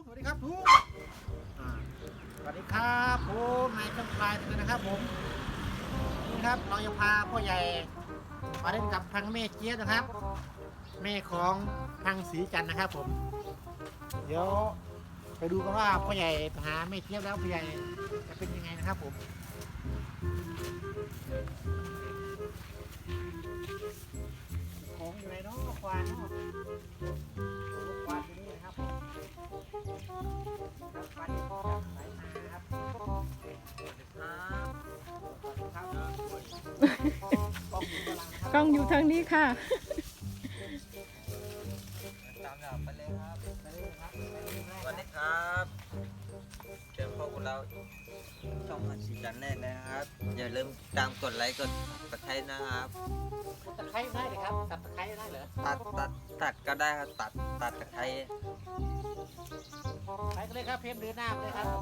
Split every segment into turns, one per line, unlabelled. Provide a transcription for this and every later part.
สวัสดีครับทุกสวัสดีครับผมนายช่างพลายเลยนะครับผมนี่ครับเราจะพาพ่อใหญ่มาเล่นกับทางแม่เจี๊ยบนะครับแม่ของทางสีจันทร์นะครับผมเดี๋ยวไปดูกันว่าพ่อใหญ่ไปหาแม่เจี๊ยบแล้วพ่อใหญ่จะเป็นยังไงนะครับผมของอยู่ไหนเนาะควานเนาะควานอยู่นี่นะครับควานอยู่จากไหนมาครับ
กล้องอยู่ทางนี้ค่ะ
ตามแบบไปเลยครับ
ไปเลยครับไปเลยครับ
สวัสดีครับเจอพวกเราช่องสีจันแน่นะครับอย่าลืมตามกดไลค์กดกระไทยนะครับ
ตะไคร้ได้เลยครับตัดตะไคร้ได้เหรอ
ตัดก็ได้ครับตัดตะไคร้
ไปกันเลยครับเพมเดินหน้าไปเลยครับ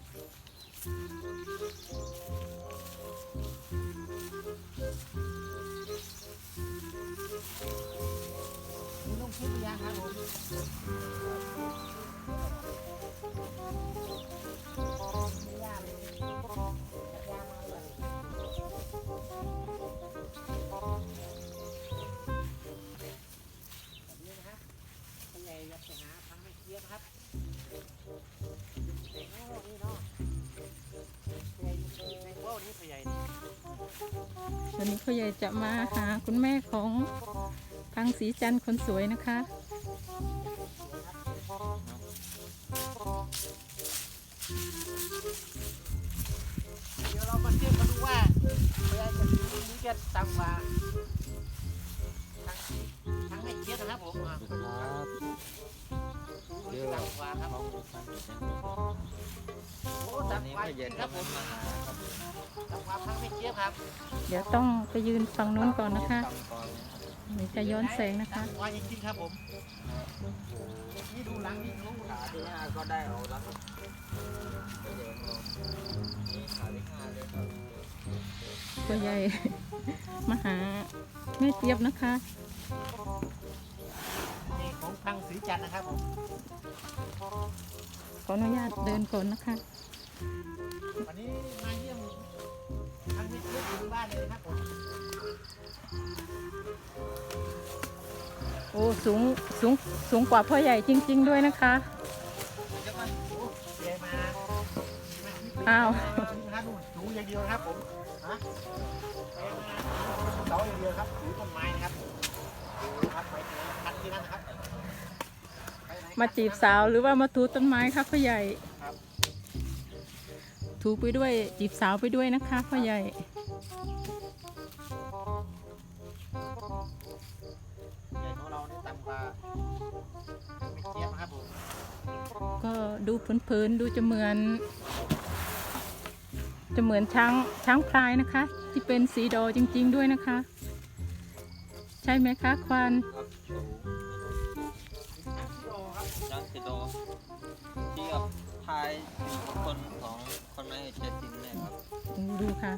มีลงคลิปหรือยังครับผมไม่ยากเลยยากมากเลยแบบนี้นะครับเป็นไงอยากไปหาทางไม่เทียบครับเด็กโง่นี่เนาะใหญ่ในโง่นี่ใหญ่
วันนี้พ่อใหญ่จะมาหาคุณแม่ของทางสีจันทร์คนสวยนะคะ
เดี๋ยวเรามาเทียบกันดูว่าเวลาจะซื้อนี้จะต่ำกว่าทั้งไม่เทียบนะครับผมต่ำกว่าครับโอ้
วันนี้
ต่ำกว่า
ไม่
จ
เย็
ริ
น
งครับผม
มาหาครับ
ต่ำกว่าทั้งไม่เทียบครับ
เดี๋ยวต้องไปยืนฝั่งนู้นก่อนนะคะ
ตามก่อนนะครับ
เดี๋ยวจะย้อนแสงนะคะ
ต่ำกว่าจริงๆครับผมนี่ดูหลังนี่รู้
ขาที่5ก็ได้เอาแล้วครับไม่เย็นลงนี่ขาที่5เลยครับ
พ่อใหญ่ มาหาแม่เจี๊ยบนะคะ
นี่ของทางสีจันทร์นะครับผม
ขออนุญาตเดินก่อนนะคะ
วันนี้มาเยี่ยมทางไม่เทียบถึงบ้านเลยนะครับผม
โอ้สูงกว่าพ่อใหญ่จริง ๆด้วยนะคะ
จะมาใหญ่มา
อ้าว
นะครับดูสูงอย่างเดียวนะครับผมฮะเสาอย่างเดียวครับถือต้นไม้นะครับดูครับไปคันที่นั่นนะครับ
มาจีบสาวหรือว่ามาถูต้นไม้คะพ่อใหญ่
ครับ
ถูไปด้วยจีบสาวไปด้วยนะคะพ่อใหญ่
ใหญ่ของเรานี่ต่ำกว่าไม่เทียบนะครับผม
ก็ดูเพลินๆดูจะเหมือนช้างพลายนะคะ ที่เป็นสีดอจริงๆด้วยนะคะ ใช่ไหมคะควาน
ครับสูง
ทั้งกิโลครับ
นักสิโดที่กับทายอยู่คนของคนไม่เจ็ดจริงเนี่ยครับ
ดูค่ะ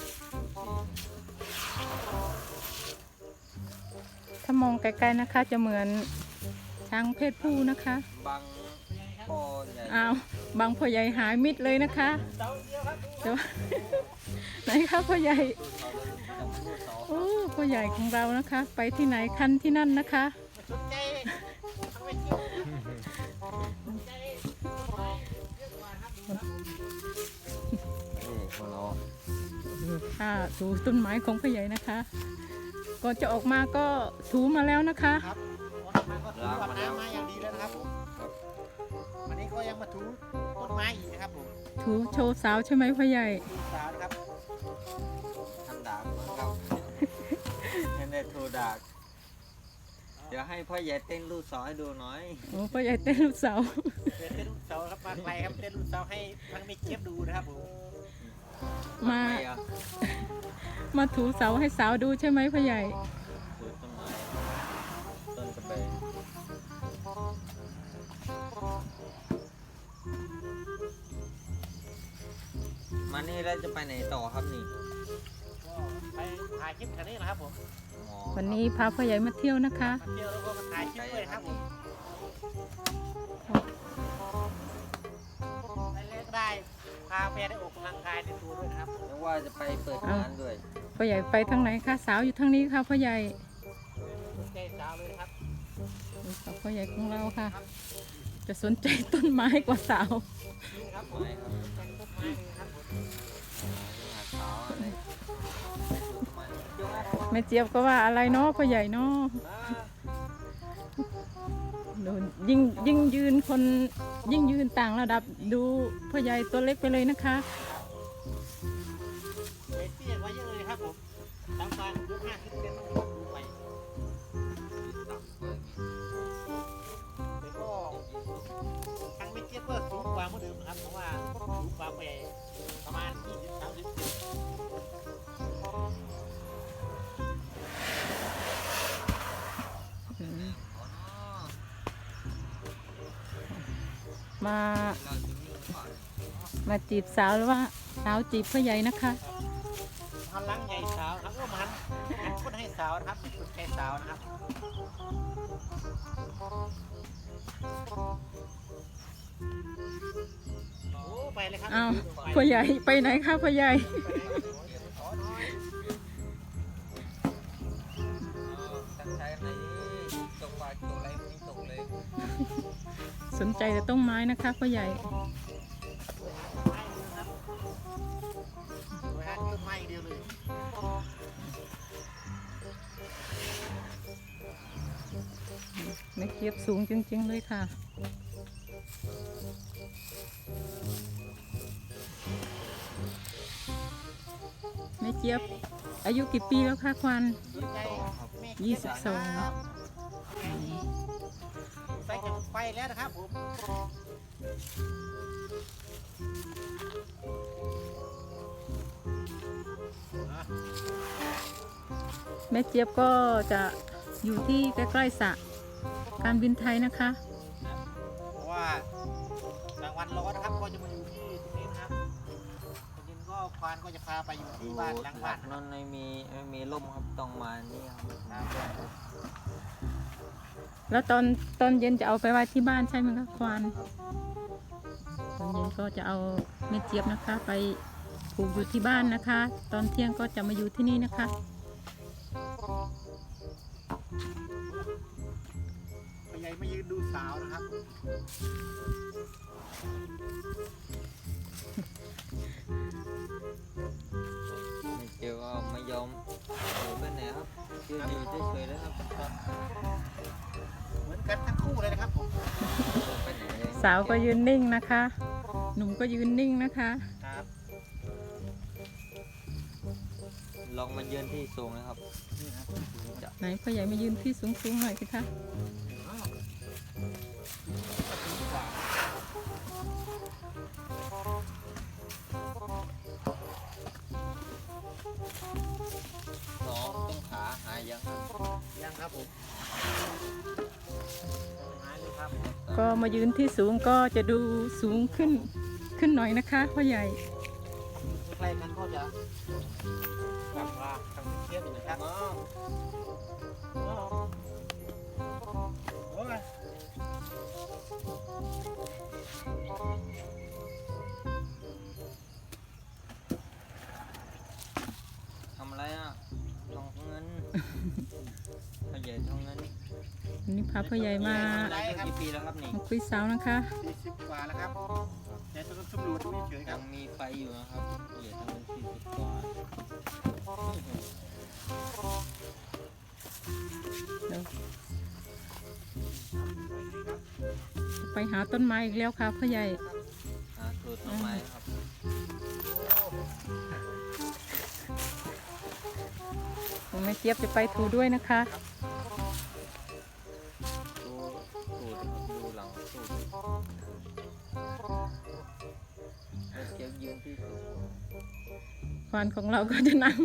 ถ้ามองไกลๆนะคะจะเหมือนช้างเพศผู้นะคะ
บางพ่อใหญ่
อ้าวบางพ่อใหญ่หายมิดเลยนะคะ
เสาเดียวครับดู
แต่ว่า ไหนคะพ่อใหญ่
เขาเลยจำพูดเขา
โอ้พ่อใหญ่ของเรานะคะ ไปที่ไหนคันที่นั่นนะคะ
ไม่สนใจทั้งไม่เทียบสนใจต้นไม้เยอะกว่าครับดูครับ
นี่ของเรา
ค่ะถูต้นไม้ของพ่อใหญ่นะคะก่อนจะออกมาก็ถูมาแล้วนะคะ
ครับวันนี้ก็ถูกับน้ำมาอย่างดีแล้วนะครับผม
ครับ
วันนี้ก็ยังมาถูต้นไม้อีกนะครับผม
ถูโชว์สาวใช่ไหมพ่อใหญ่
ดูสาวนะครับ
ทำดาบนะครับยังได้โทรดาบเดี๋ยวให้พ่อใหญ่เต้นลูกศรให้ดูหน่อย
โอ้พ่อใหญ่เต้นลูกสาว
เต้นลูกเสาครับมาไกลครับเต้นลูกเสาให้ทั้งไม่เจี๊ยบดูนะครับผม
มา
ทำไอ่ะ
มาถูเสาให้สาวดูใช่ไหมพ่อใหญ่
ปลูกต้นไม้ต้นกระเบนมานี่แล้วจะไปไหนต่อครับนี่
ก็ไปถ่ายคลิปแถวนี้นะครับผม
อ๋อ
วันนี้พาพ่อใหญ่มาเที่ยวนะคะ
มาเที่ยวแล้วก็มาถ่ายคลิปด้วยครับผมไปเล่นได้พาไปได้ออกกำลังกายในตัวด้วยนะครับ
นึกว่าจะไปเปิดร้านด้วย
พ่อใหญ่ไปทางไหนคะสาวอยู่ทางนี้ค่ะพ่อใหญ่
ใจสาวเลยนะครับ
ดูสาวพ่อใหญ่ของเราค่ะ จะสนใจต้นไม้กว่าสาว
นี่ครับผม
ไม้ครับ
เป็นต้นไม้เลยครับผม
หาเช้าอะไรมันยก
แม่เจี๊ยบก็ว่าอะไรเนาะพ่อใหญ่เนาะ
มา
ดูยิ่งยืนคนยิ่งยืนต่างระดับดูพ่อใหญ่ตัวเล็กไปเลยนะคะ
เวทีไว้เยอะเลยครับผมตามมายุค50 เซนต้องดูไปแต่ก็ทางไม่เทียบก็สูงกว่าเมื่อเดิมนะครับเพราะว่าสูงกว่าไปประมาณ20-30 เซน
มามาจีบสาวหรือว่าสาวจีบพ่อใหญ่นะคะ
พลังใหญ่สาวครับก็มันคนให้สาวนะครับสุดใจสาวนะครับโอ้ไปเลยครับ
อ้าวพ่อใหญ่ไปไหนคะพ่อใหญ่
ขอหน่อย
ตั้งใจอะไรตกปลาตกอะไรไม่ตกเลย
สนใจแต่ต้นไม้นะคะพ่อใหญ่
ไม่เลยครับไปหาต้นไม้อย่างเดียวเลย
แม่เจี๊ยบสูงจริงๆเลยค่ะ แม่เจี๊ยบอายุกี่ปีแล้วคะควัน
สนใจแม่
22
ครับใส่จากไฟแล้วนะครับผม
แม่เจี๊ยบก็จะอยู่ที่ใกล้ๆสระการบินไทยนะคะ
เพราะว่ากลางวันร้อนนะครับก็จะมาอยู่ที่ตรงนี้นะครับตอนเย็นก็ควานก็จะพาไปอยู่ที่บ้านหลังบ้าน
นั่นไม่มีร่มครับต้องมานี่ครับ
แล้วตอนเย็นจะเอาไปไว้ที่บ้านใช่ไหมคะควานตอนเย็นก็จะเอาแม่เจี๊ยบนะคะ ไปผูกอยู่ที่บ้านนะคะ ตอนเที่ยงก็จะมาอยู่ที่นี่นะคะ
พ่อใหญ่มายืนดูสาวนะครับ
ไม่เจอก็ไม่ยอมไปไหนครับยืนอยู่เฉยๆแล้วครับ
เหมือนกันทั้งคู่เลยนะครับผม
ไปไหนเลย
สาวก็ยืนนิ่งนะคะ หนุ่มก็ยืนนิ่งนะคะ
ครับ
ลองมายืนที่สูงนะครับ
นี่ครับ
จะ
ไหนพ่อใหญ่มายืนที่สูงๆหน่อยสิคะ
น้องต้องขาหายยังครับ
ยังครับผมหายเลยครับ
ก็มายืนที่สูงก็จะดูสูงขึ้นหน่อยนะคะพ่อใหญ่
ใกล้ๆกันก็จะกลับมาทางเทียบอยู่นะครับโอ้ย
ทำอะไรอ่ะทองเงินพ่อใหญ่ทองเงิน
วันนี้พาพ่อใหญ่มา
อายุกี่ปีแล้วครับนี่
มาคุยสาวนะคะ
40 กว่าแล้วครับแต่ต้องสำรวจดูเฉยๆค
ยั
รับ
งมีไฟอยู่นะครับพ่อใหญ่ทองเงิน40 กว่า
เดี๋ยวจะไปหาต้นไม้อีกแล้วค่ะพ่อใหญ่
หาสูตรต้นไม้ครับ
ผมแม่เจี๊ยบจะไปถูด้วยนะคะ
ดูสูตรครับดูหลังสูตรแล้วเก็บยืนที่สูง
ควานของเราก็จะนั่ง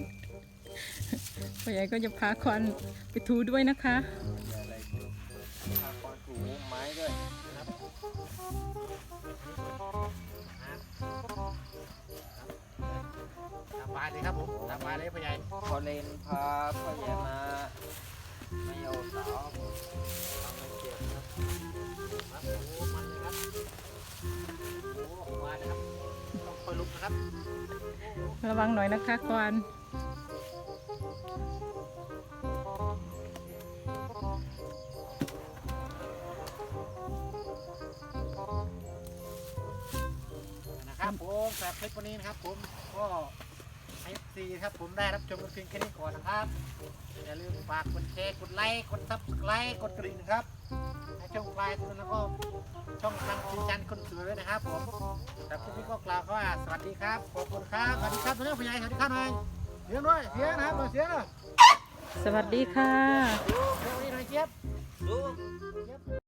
พ่อใหญ่ก็จะพาควานไปถูด้วยนะคะ
อย่าอะไรพาควานถูไม้ด้วย
ตามบายเลยครับผมตามบายเลยพ่อใหญ่
พอเลนพาพ่อใหญ่มาไม่เอาสาวทำไม่เจ็บครับ
ระวังหน่อยนะคะควาน
นะครับผมสำหรับคลิปวันนี้นะครับผมก็FC ครับผมได้รับชมกันเพียงแค่นี้ก่อนนะครับอย่าลืมฝากกดแชร์กดไลค์กดซับสไครต์กดกระดิ่งนะครับให้ช่องปลายตัวแล้วก็ช่องทางชีจันคนสวยด้วยนะครับผมแต่คลิปนี้ก็กล่าวว่าสวัสดีครับขอบคุณครับสวัสดีครับตัวนี้ผู้ใหญ่สวัสดีครับหน่อยเสียงด้วยเสียงนะครับเสียงเลย
สวัสดีค่ะ
เสียงนี้หน่อยเจี๊ยบ
ดู